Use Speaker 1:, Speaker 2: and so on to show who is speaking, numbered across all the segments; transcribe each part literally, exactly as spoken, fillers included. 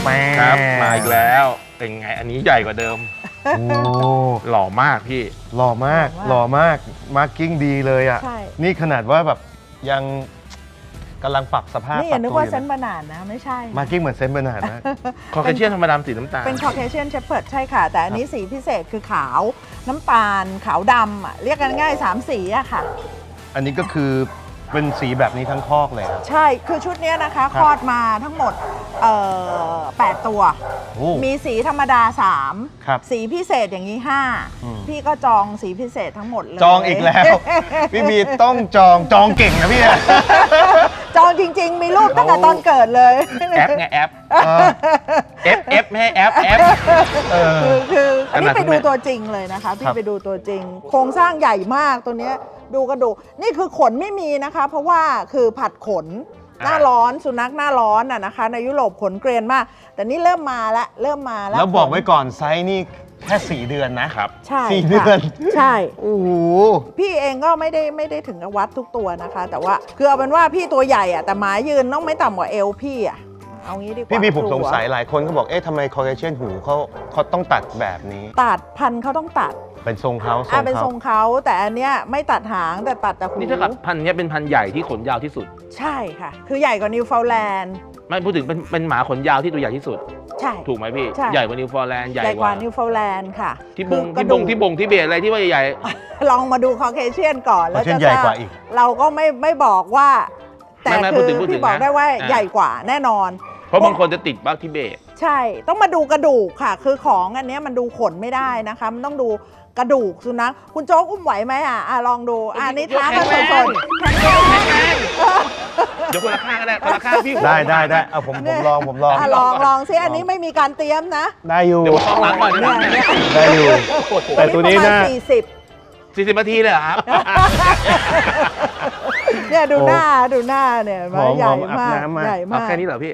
Speaker 1: ครับมาอีกแล้วเป็นไงอันนี้ใหญ่กว่าเดิม
Speaker 2: โอ้
Speaker 1: หล่อมากพี่
Speaker 2: หล่อมากหล่อมากมาร์กิ้งดีเลยอ่ะนี่ขนาดว่าแบบยังกำลังปรับสภาพ
Speaker 3: นี่อย่านึกว่าเซนต์บานาร์ดนะไม่ใช่
Speaker 2: มาร์กิ้งเหมือนเซนต์บานาร์ดนะ
Speaker 1: คอเคเชียนธรรมดาสีน้ำตาล
Speaker 3: เป็นคอเคเชียนเชพเพิร์ดใช่ค่ะแต่อันนี้สีพิเศษคือขาวน้ำตาลขาวดำอ่ะเรียกกันง่ายสามสีอะค่ะ
Speaker 2: อันนี้ก็คือเป็นสีแบบนี้ทั้งคอกเลยครับ
Speaker 3: ใช่คือชุดนี้นะคะคลอดมาทั้งหมดเอ่อแปดตัวมีสีธรรมดาสามสีพิเศษอย่างนี้ห้าพี่ก็จองสีพิเศษทั้งหมดเลย
Speaker 2: จองอีกแล้วพี่บีต้องจองจองเก่งนะพี่
Speaker 3: จองจริงๆมีรูปตั้งแต่ตอนเกิดเลย
Speaker 1: แอปไงแอปเอฟเอฟไม่ให้แอปแอป
Speaker 3: คือคืออันนี้ไปดูตัวจริงเลยนะคะพี่ไปดูตัวจริงโครงสร้างใหญ่มากตัวเนี้ยดูกระดูกนี่คือขนไม่มีนะคะเพราะว่าคือผัดขนหน้าร้อนสุนัขหน้าร้อนอ่ะนะคะในยุโรปขนเกรียนมากแต่นี่เริ่มมาแล้วเริ่มมาแล้ว
Speaker 2: แล้วบอกไว้ก่อนไซส์นี่แค่สี่เดือนนะครับ
Speaker 3: ใช่
Speaker 2: สี่เดือน
Speaker 3: ใช่
Speaker 2: โอ้โห
Speaker 3: พี่เองก็ไม่ได้ไม่ได้ถึงกับวัดทุกตัวนะคะแต่ว่าคือเอาเป็นว่าพี่ตัวใหญ่อ่ะแต่หมายืนต้องไม่ต่ำกว่าเอวพี่อ่ะเอางี้ดีกว่า
Speaker 2: พี่บีผมสงสัยหลายคนเขาบอกเอ๊ะทำไมคอเคเชียนหูเขาเขาต้องตัดแบบนี้
Speaker 3: ตัดพันเขาต้องตัด
Speaker 2: เป็นทรงเขา
Speaker 3: อ่าเป็นทรงเขาแต่อันเนี้ยไม่ตัดหางแต่ตัดแต่หู
Speaker 1: นี่ถ้ากับพันนี้เป็นพันใหญ่ที่ขนยาวที่สุด
Speaker 3: ใช่ค่ะคือใหญ่กว่านิวฟาวแลนด์
Speaker 1: ไม่พูดถึงเป็นเป็นหมาขนยาวที่ตัวใหญ่ที่สุด
Speaker 3: ใช่
Speaker 1: ถูกไหมพี่ใหญ่กว่านิวฟาวแลนด์
Speaker 3: ใหญ่กว่านิวฟาวแลนด์ค่ะ
Speaker 1: ที่บงที่บงที่บงที่เบียอะไรที่ว่าใหญ่
Speaker 3: ลองมาดูคอเคเชียนก่อนแล้วจะ
Speaker 2: ใหญ่กว่าอีก
Speaker 3: เราก็ไม่ไม่บอกว่าแต่คือพี่บอกได้ว่าใหญ่กว่าแน่นอน
Speaker 1: เพราะบางคนจะติดบัคทิเบต
Speaker 3: ใช่ต้องมาดูกระดูกค่ะคือของอันนี้มันดูขนไม่ได้นะคะมันต้องดูกระดูกสุนัขคุณโจ๊กอุ้มไหวไหมอ่ะอ่ะลองดูอ่ะนี่ท้ากันสดๆแข็งแรง
Speaker 1: เดี๋ยวคนละข้างก็ได้คนละข้างพี่
Speaker 2: ได้ได้ได้เอาผมผมลองผมลอง
Speaker 3: ลองลองซิอันนี้ไม่มีการเตรียมนะ
Speaker 2: ได้อยู่
Speaker 1: เดี๋ยวข้างหลังก่อน
Speaker 2: ได้อยู่แต่ตัวนี้น่า
Speaker 3: สี่สิบ
Speaker 1: สี่สิบนาทีเลยครับ
Speaker 3: เนี่ยดูหน้าดูหน้าเนี่ยใหญ่มากใหญ่มาก
Speaker 1: แค่นี้เหรอพี่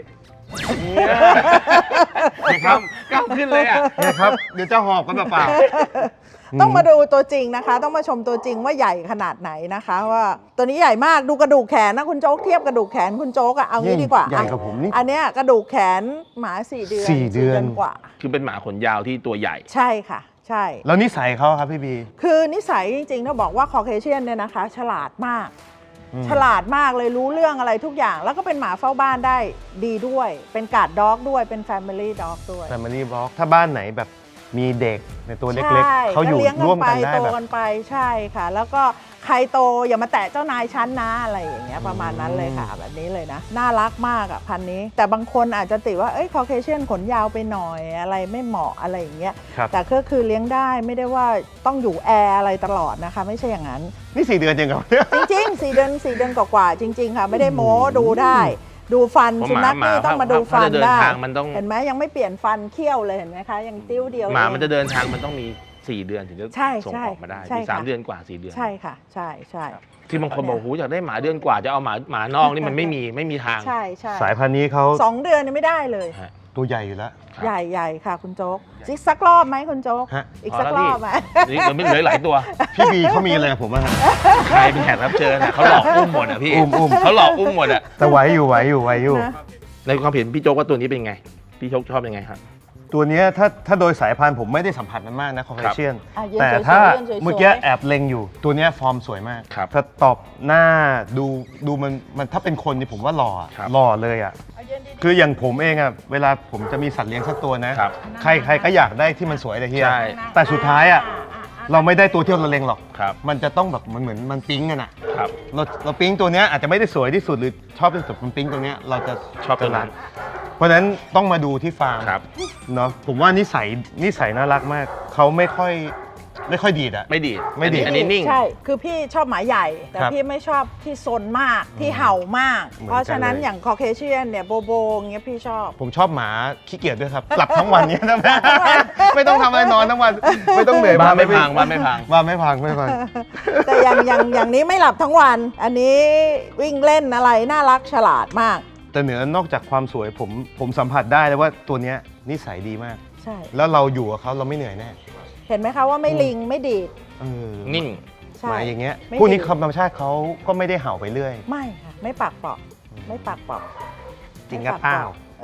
Speaker 1: ครับก้าวขึ้นเลยอ่ะ
Speaker 2: เนี่ยครับเดี๋ยวจะหอบกันเปล่า
Speaker 3: ต้องมาดูตัวจริงนะคะต้องมาชมตัวจริงว่าใหญ่ขนาดไหนนะคะว่าตัวนี้ใหญ่มากดูกระดูกแขนนะคุณโจ๊กเทียบกระดูกแขนคุณโจ๊กอะเอางี้ดีกว่า
Speaker 2: ใหญ่กว่าผมนี่
Speaker 3: อันเนี้ยกระดูกแขนหมาสี่เดือน
Speaker 2: สี่เดือน
Speaker 3: กว่า
Speaker 1: คือเป็นหมาขนยาวที่ตัวใหญ่
Speaker 3: ใช่ค่ะใช่
Speaker 2: แล้วนิสัยเขาครับพี่บี
Speaker 3: คือนิสัยจริงๆต้องบอกว่าคอเคเชียนเนี่ยนะคะฉลาดมากฉลาดมากเลยรู้เรื่องอะไรทุกอย่างแล้วก็เป็นหมาเฝ้าบ้านได้ดีด้วยเป็นการ์ดด็อกด้วยเป็น Family Dog ด้วย
Speaker 2: Family Dog ถ้าบ้านไหนแบบมีเด็กในตัวเล็กๆเขาอยู่ร่วมกันได้แบบ
Speaker 3: โตกันไปใช่ค่ะแล้วก็ใครโตอย่ามาแตะเจ้านายชั้นนะอะไรอย่างเงี้ยประมาณนั้นเลยค่ะแบบนี้เลยนะน่ารักมากอ่ะพันนี้แต่บางคนอาจจะติว่าเอ้ยคอเคเชียนขนยาวไปหน่อยอะไรไม่เหมาะอะไรอย่างเงี้ยแต่ก็คือเลี้ยงได้ไม่ได้ว่าต้องอยู่แอร์อะไรตลอดนะคะไม่ใช่อย่างนั้น
Speaker 2: นี่สี่เดือนจริงเหรอ
Speaker 3: จริงๆสี่เดือนสี่เดือนกว่าๆจริงๆค่ะไม่ได้โม้ดูได้ดูฟันสุนัขนี่ต้องมาดูฟันได้เห็นไหมยังไม่เปลี่ยนฟันเขี้ยวเลยเห็นไหมคะยังติ้วเดียว
Speaker 1: หมามันจะเดินทางมันต้องมีสี่เดือนถึงจะส่งออกมาได้มีสามเดือนกว่าสี่เดือน
Speaker 3: ใช่ค่ะใช่ใช่
Speaker 1: ที่บางคนบอกหูอยากได้หมาเดือนกว่าจะเอาหมาหมานอกนี่มันไม่มีไม่มีทาง
Speaker 3: ใช่ใช่
Speaker 2: สายพันธุ์นี้เขา
Speaker 3: สองเดือนนี่ไม่ได้เลย
Speaker 2: ตัวใหญ่อยู่แล้ว
Speaker 3: ใหญ่ใหญ่ค่ะคุณโจ๊กอีกสักรอบไหมคุณโจ๊กอีกสักรอบไหม
Speaker 1: นี่เราไม่เหลือหลายตัว
Speaker 2: พี่บีเขามีอะไรกับผมอ่ะ
Speaker 1: ใครเป็นแขกรับเชิญเขาหลอกอุ้มหมดอ่ะพี่
Speaker 2: อุ้มอุ้ม
Speaker 1: เขาหลอกอุ้มหมดอ่ะ
Speaker 2: แต่ไหวอยู่ไหวอยู่ไหวอยู่
Speaker 1: ในความเห็นพี่โจ๊กว่าตัวนี้เป็นไงพี่โจ๊กชอบยังไงครับ
Speaker 2: ตัวนี้ถ้าถ้าโดยสายพันธุ์ผมไม่ได้สัมผัสมันมากนะคอเคเชียนแต่ถ้าเมื่อกี้แอบเล็งอยู่ตัวนี้ฟอร์มสวยมากถ้าตอบหน้าดูดูมันมันถ้าเป็นคนนี่ผมว่าหล่อหล่อเลยอ่ะคืออย่างผมเองอ่ะเวลาผมจะมีสัตว์เลี้ยงสักตัวนะใครใครก็อยากได้ที่มันสวยเลยที่แต่สุดท้ายอ่ะเราไม่ได้ตัวที่เราเล็งหรอกมันจะต้องแบบมันเหมือนมันปิ๊งกันอ่ะเราเราปิ๊งตัวนี้อาจจะไม่ได้สวยที่สุดหรือชอบที่สุดมันปิ๊งตัวนี้เราจะ
Speaker 1: ชอบตัวนั้น
Speaker 2: เพราะฉะนั้นต้องมาดูที่ฟาร์มเนาะผมว่านิสัยนิสัยน่ารักมากเขาไม่ค่อยไม่ค่อยดีดอะ
Speaker 1: ไม่ดีด
Speaker 2: ไม่ดีด
Speaker 1: อันนี้นิ่ง
Speaker 3: ใช่คือพี่ชอบหมาใหญ่แต่พี่ไม่ชอบที่ซนมากที่เห่ามากเพราะฉะนั้นอย่างคอเคเชียนเนี่ยโบโบเงี้ยพี่ชอบ
Speaker 2: ผมชอบหมาขี้เกียจด้วยครับหลับทั้งวันเนี้ยนะไม่ต้องทำอะไรนอนทั้งวันไม่ต้องเหนื่อย
Speaker 1: บ้านไม่พังบ้านไม่พัง
Speaker 2: บ้านไม่พังไม่พัง
Speaker 3: แต่อย่างอย่างอย่างนี้ไม่หลับทั้งวันอันนี้วิ่งเล่นอะไรน่ารักฉลาดมาก
Speaker 2: แต่เหนือนอกจากความสวยผมผมสัมผัสได้เลยว่าตัวเนี้ยนิสัยดีมาก
Speaker 3: ใช่
Speaker 2: แล้วเราอยู่กับเขาเราไม่เหนื่อยแน่
Speaker 3: เห็นไหมคะว่าไม่ลิงไม่ดีด
Speaker 1: นิ่ง
Speaker 2: หมายอย่างเงี้ยพวกนี้ธรรมชาติเขาก็ไม่ได้เห่าไปเรื่อย
Speaker 3: ไม่ค่ะไม่ปากเปาะไม่ปากเปาะ
Speaker 2: จริงกับเปล่า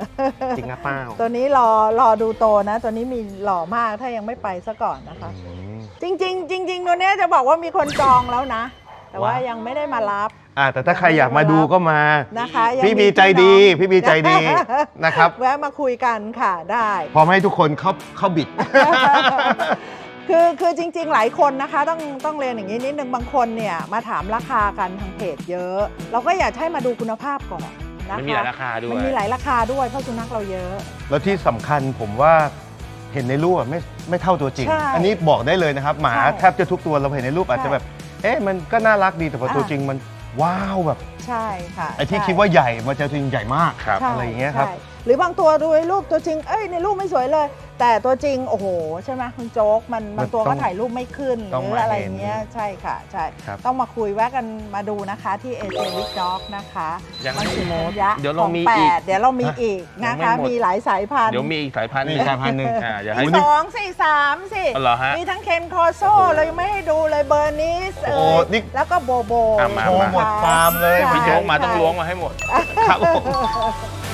Speaker 2: จริงนะเป้า
Speaker 3: ตัวนี้รอรอดูโตนะ ตัวนี้มีหล่อมากถ้ายังไม่ไปซะก่อนนะคะ จริง ๆ จริง ๆ ตัวเนี้ยจะบอกว่ามีคนจองแล้วนะ แต่ว่ายังไม่ได้มารับ
Speaker 2: อ่าแต่ถ้าใครอยากมาดูก็มา
Speaker 3: นะคะยัง
Speaker 2: พี่บีใจดี พี่บีใจดีนะครับ
Speaker 3: แวะมาคุยกันค่ะได้
Speaker 2: พร้อมให้ทุกคนเข้าเข้าบิด
Speaker 3: คือคือจริง ๆ หลายคนนะคะต้องต้องเรียนอย่างนี้นิดนึงบางคนเนี่ยมาถามราคากันทางเพจเยอะ เราก็อยากให้มาดูคุณภาพก่อนนะคะ
Speaker 1: มันมีหลายราคาด้วย
Speaker 3: มันมีหลายราคาด้วยเพราะสุนัขเราเยอะ
Speaker 2: แล้วที่สำคัญผมว่าเห็นในรูปอะไม่ไม่เท่าตัวจริง
Speaker 3: ใช่
Speaker 2: อันนี้บอกได้เลยนะครับ หมา
Speaker 3: ใช่
Speaker 2: แทบจะทุกตัวเราเห็นในรูปอาจจะแบบ เอ๊ะมันก็น่ารักดีแต่พอตัว
Speaker 3: อ่า
Speaker 2: จริงมันว้าวแบบ
Speaker 3: ใช่ค่ะ
Speaker 2: ไอ้ที่
Speaker 3: ใช่
Speaker 2: คิดว่าใหญ่มาเจอตัวจริงใหญ่มาก
Speaker 1: ครับ
Speaker 3: ใช่
Speaker 2: อะไรอย่างเงี้ยครับ
Speaker 3: ใช่หรือบางตัวดูในรูปตัวจริง เอ้ยในรูปไม่สวยเลย แต่ตัวจริงโอ้โหใช่ไหมคุณโจ๊กมันบางตัวก็ถ่ายรูปไม่ขึ้นห
Speaker 2: ต้อง
Speaker 3: รือ
Speaker 2: มา
Speaker 3: อะไร
Speaker 2: เห็น
Speaker 3: เงี้ยใช่ค่ะใช่
Speaker 2: ครับ
Speaker 3: ต้องมาคุยแวะกันมาดูนะคะที่เอเจวิกด็อกนะคะ
Speaker 1: ยัง
Speaker 3: มัน
Speaker 1: ไม่
Speaker 3: สุ
Speaker 1: หมด
Speaker 3: ยะ
Speaker 1: เดี๋ยวเรามี
Speaker 3: ขงแป
Speaker 1: อีก
Speaker 3: ดเดี๋ยวเรามีอีก
Speaker 1: ยั
Speaker 3: นะ
Speaker 1: งไม่
Speaker 3: คะ
Speaker 1: หมด
Speaker 3: มีหลายสายพันธุ์
Speaker 1: เดี๋ยวมีอีกสายพันธุ์ห
Speaker 2: นี่
Speaker 1: นึ่ง
Speaker 2: สายพันธุ์หนึ่ง
Speaker 1: อ่าเดี๋ยวให้
Speaker 2: อุ๊ย
Speaker 3: สองสี่สามสิ
Speaker 1: อ๋อเหรอฮะ
Speaker 3: มีทั้งเคนคอโซเรายังไม่ให้ดูเลยเบอร์นิส
Speaker 2: โอ้
Speaker 3: เอ่ย
Speaker 2: นี่
Speaker 3: แล้วก็โบโบ
Speaker 1: อ่ะมา
Speaker 2: โชว์หมดฟาร์มเลย
Speaker 3: ใช่
Speaker 1: พี่โจ๊กมาต้องล้วงมาให้หมด
Speaker 2: ครับผม